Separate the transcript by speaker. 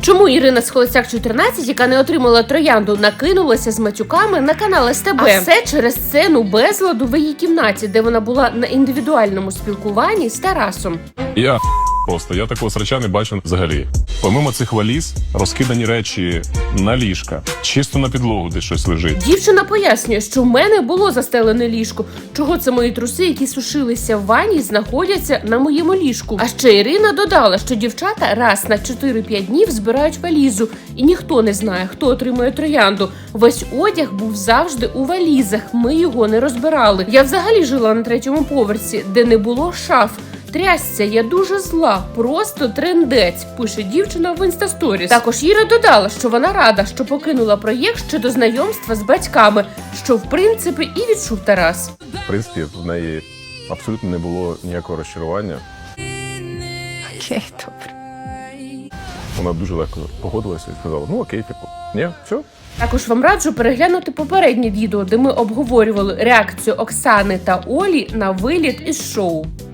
Speaker 1: Чому Ірина з Холостяк 14, яка не отримала троянду, накинулася з матюками на канал СТБ? А все через сцену безладу в її кімнаті, де вона була на індивідуальному спілкуванні з Тарасом.
Speaker 2: Я такого срача не бачу взагалі. Помимо цих валіз, розкидані речі на ліжка, чисто на підлогу де щось лежить.
Speaker 1: Дівчина пояснює, що в мене було застелене ліжко. Чого це мої труси, які сушилися в ванні, знаходяться на моєму ліжку? А ще Ірина додала, що дівчата раз на 4-5 днів збирають валізу, і ніхто не знає, хто отримує троянду. Весь одяг був завжди у валізах, ми його не розбирали. Я взагалі жила на 3-му поверсі, де не було шаф. Трясся, я дуже зла, просто трендець, пише дівчина в інстасторіс. Також Іра додала, що вона рада, що покинула проєкт ще до знайомства з батьками, що в принципі і відчув Тарас.
Speaker 2: В принципі, в неї абсолютно не було ніякого розчарування.
Speaker 3: Окей, добре.
Speaker 2: Вона дуже легко погодилася і сказала, ну окей, ні, все.
Speaker 1: Також вам раджу переглянути попереднє відео, де ми обговорювали реакцію Оксани та Олі на виліт із шоу.